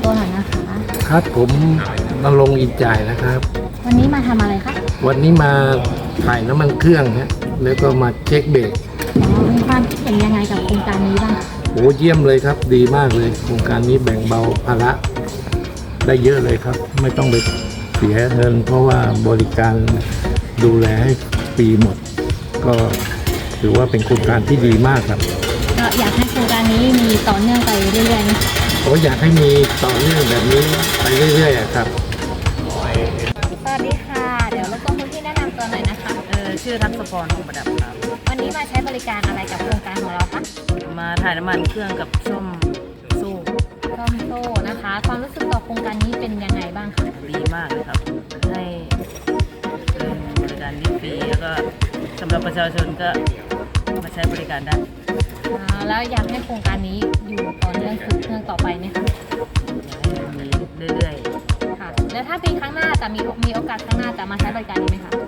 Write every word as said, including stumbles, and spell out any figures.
ตัวหน่อยนะคะครับผมนรงค์อินจ่ายนะครับวันนี้มาทำอะไรคะวันนี้มาถ่ายน้ำมันเครื่องฮะแล้วก็มาเช็คเบรกอ๋อมีความคิดเห็นยังไงกับโครงการนี้บ้างคะโอ้เยี่ยมเลยครับดีมากเลยโครงการนี้แบ่งเบาภาระได้เยอะเลยครับ ไม่ต้องไปเสียเงินเพราะว่าบริการดูแลให้ฟรีหมด ก็ถือว่าเป็นโครงการที่ดีมากครับก็อยากให้โครงการนี้มีต่อเนื่องไปเรื่อยๆนะคะผมอยากให้มีต่อเนื่องแบบนี้ไปเรื่อยๆอะครับสวัสดีค่ะ เดี๋ยวรบกวนคุณพี่แนะนำตัวหน่อยนะคะเออชื่อทักษพรคงประดับครับวันนี้มาใช้บริการอะไรกับโครงการของเราคะมาถ่ายน้ำมันเครื่องกับส้มสู้ร่มโซ่นะคะ ความรู้สึกต่อโครงการนี้เป็นยังไงบ้างคะดีมากเลยครับ ให้เออบริการดีฟรีแล้วก็สำหรับประชาชนก็มาใช้บริการได้อ่าแล้วอยากให้โครงการนี้อยู่ต่อเนื่องสืบเนื่องต่อไปไหมคะอยากให้มีเรื่อยค่ะ แล้วถ้าปีข้างหน้าจะมีมีโอกาสข้างหน้าจะมาใช้บริการนี้ไหมคะ